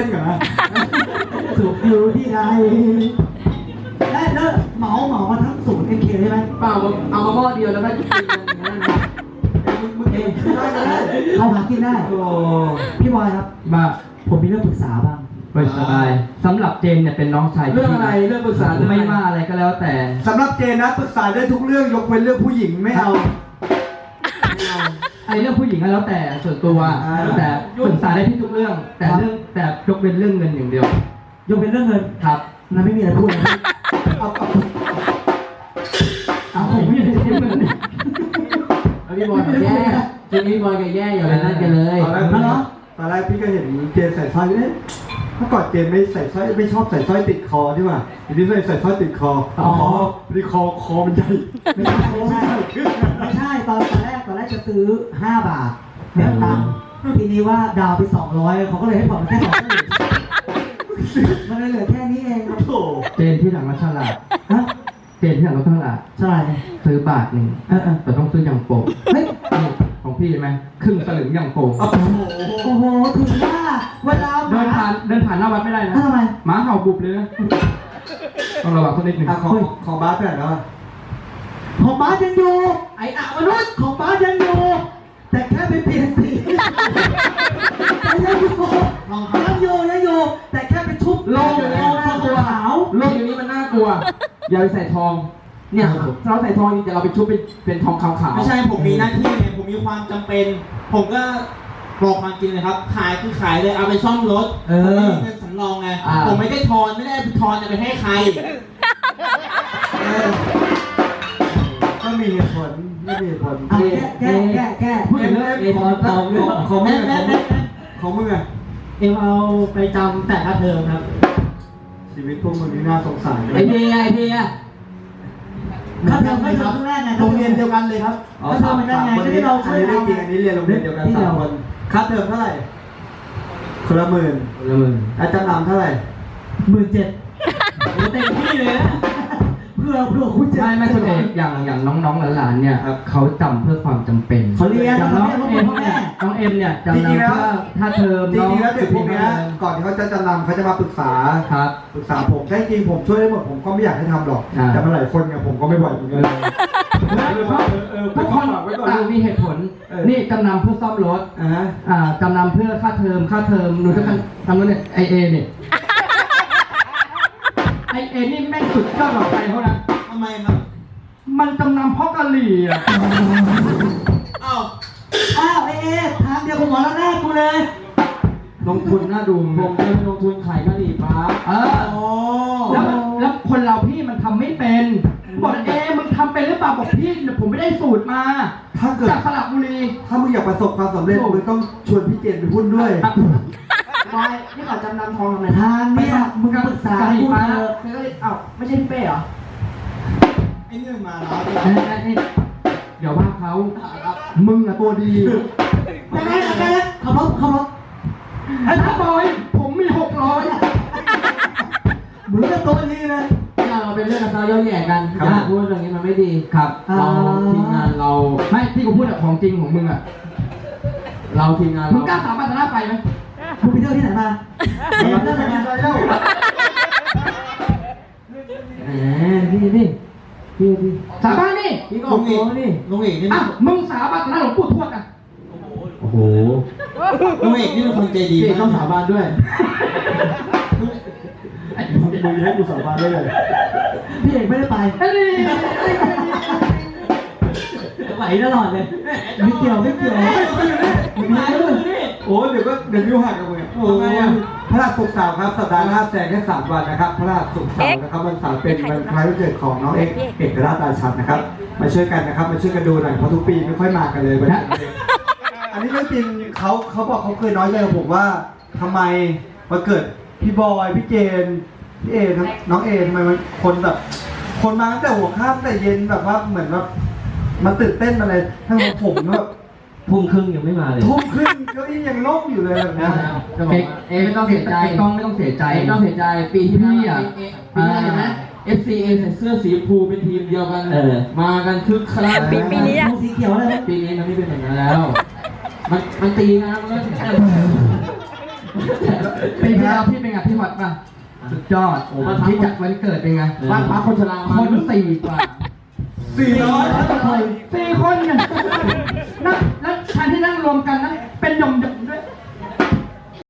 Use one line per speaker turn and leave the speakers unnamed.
ก่อนนะ
สุขอยู่ที่ใดและเลิกเหมามาทั้งศูนย์ MK ใช่ไหม
เปล่าเอามาหม้อเดียวแล้วก็กินกันอย่างนั้นนะ
มึงเองได้ก็ได้
เขาหากินได้
โอ้
พี่บอยครับ
มา
ผมมีเรื่องปรึกษาบ้าง
ไปสบายสำหรับเจนเนี่ยเป็นน้องชาย
เรื่องอะไรเรื่องปรึกษา
ไม่ว่าอะไรก็แล้วแต่
สำหรับเจนนะปรึกษาได้ทุกเรื่องยกเว้นเรื่องผู้หญิงไม่เอา
ไอ้เรื่องผู้หญิงก็แล้วแต่ส่วนตัวแต่ปรึกษาได้ที่ทุกเรื่อง แต่ยกเว้นเรื่องเงินอย่างเดียวย
กเป็นเรื่องเงิน
ครับ
นั้นไม่มีอะไรพูดเลย
เอา
ผมไม่ได้ที่เงิน
แล้วพี่บอยกับแย่จริงพี่บอยกับแย่อย่าไปนั่นกันเลย
ตอนแรกพี่ก็เห็นเจนใส่สร้อยเนี่ยเมื่อก่อนเจนไม่ใส่สร้อยไม่ชอบใส่สร้อยติดคอใช่ป่ะทีนี้ใส่สร้อยติดคอที่คอมันใหญ่
ไม่ใช่ตอนแรกจะซื้อ5 บาทแบบตังค์ทีนี้ว่าดาวไป200เขาก็เลยให้ผ่อนแค่200มันเลยเหลือแค่นี้เอง
โถ
เจนที่หลังรถฉลาด
ฮะ
เจนที่หลังรถฉลาด
ใช่
ซื้อบาทหนึ่ง แต่ต้องซื้ออย่างโป่ง
เฮ้ย
นี่ของพี่ใช่ไหมครึ่งสลึงอย่างโป่ง
โอ้โห
โอ้โหถึงว่าเวลา
เดินผ่านหน้าวัดไม่ได้นะ
ทำไม
หมาเห่าบุบเลยนะต้องระวังสักนิดหนึ่ง
ของบ้านเป็นอะไรวะ
ของบ้านยังอยู่ไอ้อะมนุษย์ของบ้านยังอยู่แต่แค่ไปเปลี่ยนสียังอยู่แต่แค่ไปชุบ
โลกอยู่นี้มันน่ากลัว
ขาว
โลกอยู่นี้มันน่ากลัว อย่าไปใส่ทอง เนี่ยเราใส่ทองนี่จะเราไปชุบเป็นทองขาวๆ
ไม่ใช่ผมมีหน้าที่ไงผมมีความจำเป็น ผมก็บอกความจริงเลยครับ ขายคือขายเลยเอาไปซ่อมรถผมไม่มีเงินสำรองไงผมไม่ได้ทอนไม่ได้ทอนจะไปให้ใคร
ก็มีเหตุผลไม่มีเหตุผล
อ่ะแก้
พูดถึงเรื่องของมึงของมึงอะ
เอ็มเอาไปจำแต่ค่าเทอมครับ
ชีวิตพวกมึงนี่น่าสงสาร
ไอเดีย
ค่าเทอมไม่ทำแรกไง
โรงเรียนเดียวกันเลยครับ
ค่าเทอมมันได้ไงจะได้เราช่วย
อันนี้เรื่องจริงอันนี้เรียนโรงเรียนเดียวกัน3 คนค่าเทอมเท่าไหร่คนละ 10,000
ละมึง
อาจารย์นำเท่าไหร่
17,000เต็มที่เลยนะเพื่อคุณจะ
ไม่คุณเอกอย่างน้องๆหลานๆเนี่ยเขาจำเพื่อความจำเป็น
เขาเรียน
อย่างน้องเอ็มเนี่ยจำนำเพื่อถ้าเทอม
จริงๆแล้วเด็กพวกเนี้ยก่อนที่เขาจะจำนำเขาจะมาปรึกษา
ครับ
ปรึกษาผมใช่จริงผมช่วยได้หมดผมก็ไม่อยากให้ทำหรอกแต่มาหลายคนเนี่ยผมก็ไม่ไหวเหมือนกัน
ทุกคนต่างมีเหตุผล นี่จำนำเพื่อซ่อมรถจำนำเพื่อค่าเทอมหนูจะทำนู้นเนี่ยไอเอเนี่ยไอเอนี่แม่งสุดยอดหลอกใจเขานะ
ทำไมครับ
มันจำนำเพราะกะหรี่อ่ะ
อ้าว
ทางเดียวกับหมอแล้วแรกกูเลย
ลงทุนน่าดู
ผมจะลงทุนขายกะหรี่ปั๊บ
แล้วคนเราพี่มันทำไม่เป็นบอกมึงทำเป็นหรือเปล่าบอกพี่ผมไม่ได้สูตรมา
ถ้าเกิด
จากสระบุรี
ถ้ามึงอยากประสบความสำเร็จมึงต้องชวนพี่เจนไปหุ้นด้วย
บอยนี่เขาจำนำทองทำไม
ทางเนี่ยมึงปรึกษากูเถอะ
เอ้าไม่ใช่พี่เป้เหรอ
ไอ้นี่มันมาแล้ว
เดี๋ยวว่าเขามึงอะตัวดี
ได้ขับรถ
ไอ้ทับอยผมมี600
มึงก็ตัวดีเลย
เราเป็นเรื่องเราย่อแย่กันอย่าพูดอย่างนี้มันไม่ดี
ครับ
เราทีมงานเรา
ไม่ที่กูพูดอะของจริงของมึงอะ
เราทีมงาน
มึ
เรา
งกล้าสาบานต่อหน้าไฟไหม
มึงไปเที่ยวที่ไหนมาเที่ยวที่ไหนมา
พี่
สาบานนี่
พี่ก็ออกตัวนี่
ลุงเอกนี่
อ่ะมึงสาบานต่อหน้าหลวงปู่ทวดอะ
โอ้โห
ลุงเอกนี่เป็นคนใจดี
พี่ต้องสาบานด้วย
มึงให้กูสาบานได้เลย
พี่เอกไม่ได้ไป
ไอ้นี่
ไหวตลอดเลยไม่เกี่ยวมีด้วย
โอ้เดี๋ยวนิ้วหักกับมึงโอ้พระราชศุกร์เสาร์ครับสัปดาห์หน้าแซงแค่3 วันนะครับพระราชศุกร์เสาร์นะครับวันเสาร์เป็นวันคล้ายวันเกิดของน้องเอกราชราชันนะครับมาช่วยกันนะครับมาช่วยกันดูหน่อยเพราะทุกปีไม่ค่อยมากันเลยวันนี้อันนี้เรื่องจริงเขาบอกเขาเคยน้อยใจกับผมว่าทำไมวันเกิดพี่บอยพี่เจนพี่เอน้องเอทำไมมันคนแบบคนมาตั้งแต่หัวค่ำแต่เย็นแบบว่าเหมือนแบบมันตื่นเต้นอะไรทั้งผมแบบ
ทุ่มครึ่งยังไม่มาเลย
ทุ่มครึ่งเก้าอี้ยังโล่งอยู่เลยแบบนี้
เอไม่ต้องเสียใจต้องไม่ต้องเสียใจ
ไม่ต้องเสียใจปีที่แล้ว
พี่อะ
ปีนี้เห็นไหม FCA ใส่เสื้อสีชมพูเป็นทีมเดียวกันมากันคึกคัก
ปีนี้สีเขียวเลย
ปีนี้มันไม่เป็นอย่างนั้นแล้ว มันตีนะมันก็
ปีที่แล้วพี่เป็นไงพี่ฮอตป่ะสุดยอดโอ้พี่จัดวันเกิดเป็นไง
บ้านพักคนชรา
ค
มาน
4 กว่า
400
4 คนไงนั่งแล้วแทนที่นั่งรวมกันนั่ง